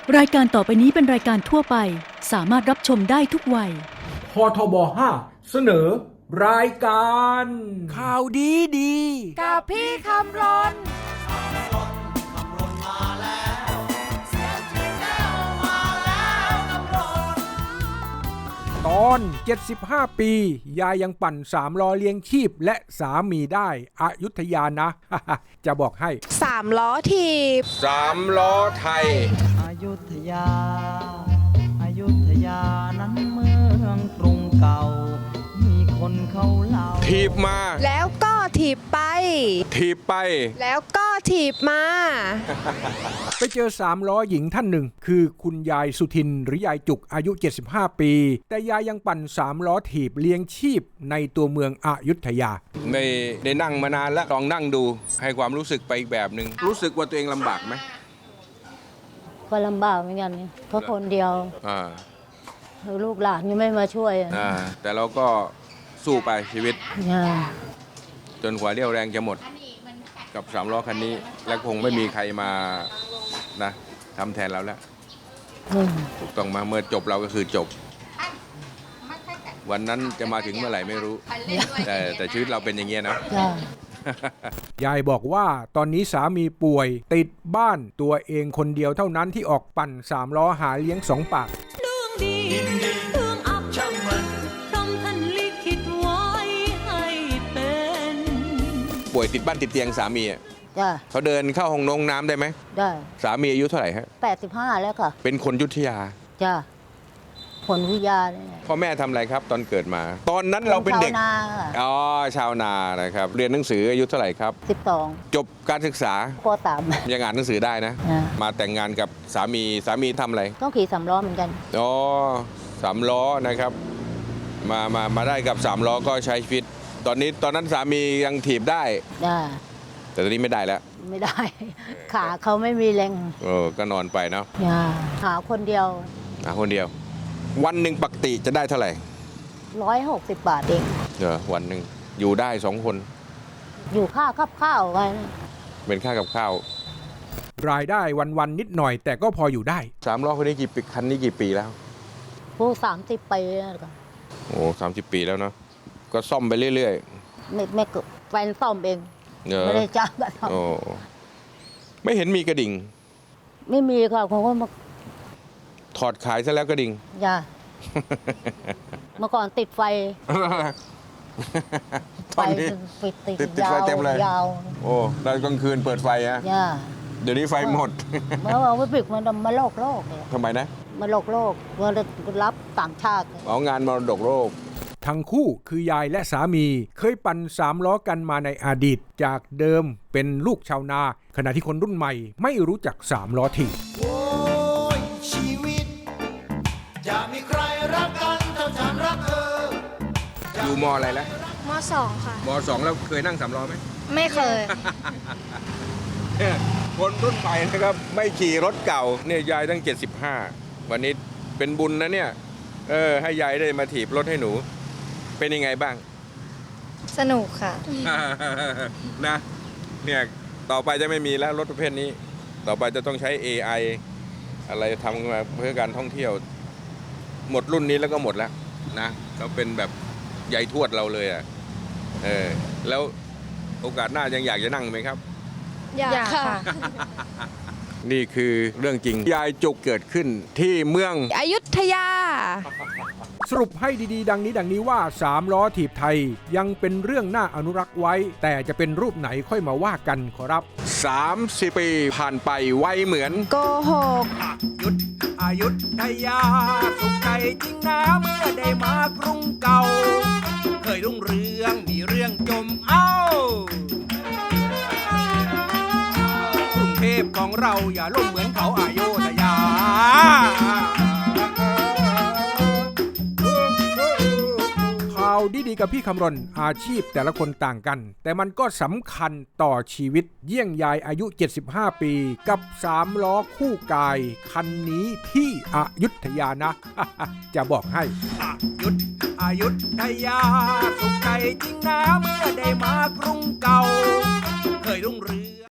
รายการต่อไปนี้เป็นรายการทั่วไปสามารถรับชมได้ทุกวัยพทบ5เสนอรายการข่าวดีกับพี่คำรนตอน75 ปียายยังปั่น3 ล้อเลี้ยงชีพและสามีได้อยุธยานะ จะบอกให้ 3 ล้อถีบ 3 ล้อไทยอยุธยาอยุธยานั้นเมืองกรุงเก่ามีคนเขาเล่าถีบมาแล้วก็ถีบไปถีบไปแล้วก็ถีบมาไปเจอ3 ล้อหญิงท่านหนึ่งคือคุณยายสุทินหรือยายจุกอายุ75 ปีแต่ยายยังปั่น3 ล้อถีบเลี้ยงชีพในตัวเมืองอยุธยาไม่ได้นั่งมานานแล้วลองนั่งดูให้ความรู้สึกไปอีกแบบหนึ่งรู้สึกว่าตัวเองลำบากไหมก็ลำบากเหมือนกันเพราะคนเดียวลูกหลานยังไม่มาช่วยแต่เราก็สู้ไปชีวิตจนกว่าเรี่ยวแรงจะหมดกับ3 ล้อคันนี้และคงไม่มีใครมานะทำแทนเราแล้วถูกต้องมาเมื่อจบเราก็คือจบวันนั้นจะมาถึงเมื่อไหร่ไม่รู้แต่ชีวิตเราเป็นอย่างเงี้ยนะยายบอกว่าตอนนี้สามีป่วยติดบ้านตัวเองคนเดียวเท่านั้นที่ออกปั่น3 ล้อหาเลี้ยง2 ปากป่วยติดบ้านติดเตียงสามีเขาเดินเข้าห้องน้ำได้ไหมได้สามีอายุเท่าไหร่ฮะ 85แล้วค่ะเป็นคนอยุธยาจ้ะคนอยุธยาพ่อแม่ทำอะไรครับตอนเกิดมาตอนนั้นเราเป็นเด็กชาวนาชาวนานะครับเรียนหนังสืออายุเท่าไหร่ครับ 12 จบการศึกษาป.3 ยังอ่านหนังสือได้นะมาแต่งงานกับสามีทำอะไรต้องขี่3 ล้อเหมือนกัน 3 ล้อนะครับมาได้กับ3 ล้อก็ใช้ชีวิตตอนนั้นสามียังถีบได้แต่ตอนนี้ไม่ได้แล้วไม่ได้ขาเขาไม่มีแรงก็นอนไปเนาะหาคนเดียววันหนึ่งปกติจะได้เท่าไหร่ 160 บาทเองวันหนึ่งอยู่ได้2 คนอยู่ค่ากับข้าวไว้เป็นค่ากับข้าวรายได้วันนิดหน่อยแต่ก็พออยู่ได้ 3 ล้อคันนี้กี่ปีแล้วผู้30 ปีแล้วกัน 30 ปีแล้วเนาะก็ซ่อมไปเรื่อยๆไม่แฟนซ่อมเองไม่ได้จ้างกันทำไม่เห็นมีกระดิ่งไม่มีค่ะเขาก็มาถอดขายซะแล้วกระดิ่งเมื่อก่อนติดไฟติดไฟเต็มเลยโอ้ตอนกลางคืนเปิดไฟอะเดี๋ยวนี้ไฟหมดเมื่อเอาไปปิดมันมาโลกทำไมนะมาโลกมารับต่างชาติงานมรดกโลกทั้งคู่คือยายและสามีเคยปั่น3 ล้อกันมาในอดีตจากเดิมเป็นลูกชาวนาขณะที่คนรุ่นใหม่ไม่รู้จัก3 ล้อถีบชีวิตจะมีใครรักกันเท่าฉันรักเธออยู่ม.อะไรแล้วม.2 ค่ะม.2 แล้วเคยนั่ง3 ล้อไหมไม่เคยคนรุ่นใหม่นะครับไม่ขี่รถเก่าเนี่ยยายตั้ง75วันนี้เป็นบุญนะเนี่ยให้ยายได้มาถีบรถให้หนูเป็นยังไงบ้างสนุกค่ะนะเนี่ยต่อไปจะไม่มีแล้วรถประเภทนี้ต่อไปจะต้องใช้ AI อะไรทำมาเพื่อการท่องเที่ยวหมดรุ่นนี้แล้วก็หมดแล้วนะเขาเป็นแบบใหญ่ทวดเราเลยแล้วโอกาสหน้ายังอยากจะนั่งไหมครับอยากค่ะนี่คือเรื่องจริงยายจุกเกิดขึ้นที่เมืองอยุธยาสรุปให้ดีๆดังนี้ว่า3 ล้อถีบไทยยังเป็นเรื่องน่าอนุรักษ์ไว้แต่จะเป็นรูปไหนค่อยมาว่ากันขอรับ 30 ปีผ่านไปไวเหมือนโกหกอยุธยาสุขใจจริงนะเมื่อได้มากรุงเก่าเคยรุ่งเรืองมีเรื่องจมกรุงเทพของเราอย่าล่มเหมือนเขาอยุธยาข่าวดีๆกับพี่คำรณอาชีพแต่ละคนต่างกันแต่มันก็สำคัญต่อชีวิตเยี่ยงยายอายุ75 ปีกับ3 ล้อคู่กายคันนี้ที่อยุธยานะ จะบอกให้อยุธยาสุขใจจริงนะเมื่อได้มากรุงเก่าเคยรุ่งเรือง